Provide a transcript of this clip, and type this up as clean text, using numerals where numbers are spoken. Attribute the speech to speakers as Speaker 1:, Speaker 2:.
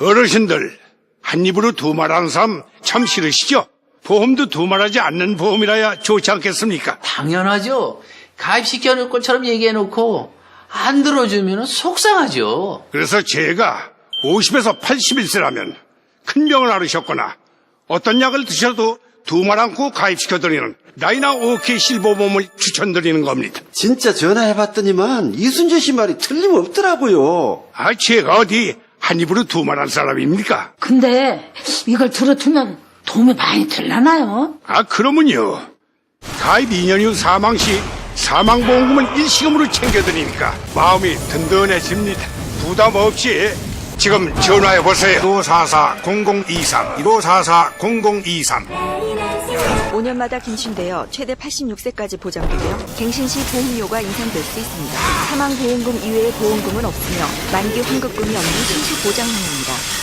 Speaker 1: 어르신들, 한 입으로 두 말하는 사람 참 싫으시죠? 보험도 두 말하지 않는 보험이라야 좋지 않겠습니까?
Speaker 2: 당연하죠. 가입시켜놓을 것처럼 얘기해놓고 안 들어주면 속상하죠.
Speaker 1: 그래서 제가 50에서 81세라면 큰 병을 앓으셨거나 어떤 약을 드셔도 두 말 않고 가입시켜드리는 나이나 오케이 실버보험을 추천드리는 겁니다.
Speaker 3: 진짜 전화해봤더니만 이순재 씨 말이 틀림없더라고요.
Speaker 1: 아, 제가 어디 한 입으로 두 말한 사람입니까?
Speaker 4: 근데 이걸 들어두면 도움이 많이 들라나요?
Speaker 1: 아, 그러면요. 가입 2년 후 사망 시 사망보험금을 일시금으로 챙겨드리니까 마음이 든든해집니다. 부담 없이 지금 전화해보세요. 1544-0023, 1544-0023.
Speaker 5: 5년마다 갱신되어 최대 86세까지 보장되며 갱신 시 보험료가 인상될 수 있습니다. 사망보험금 이외의 보험금은 없으며 만기 환급금이 없는 실시 보장형입니다.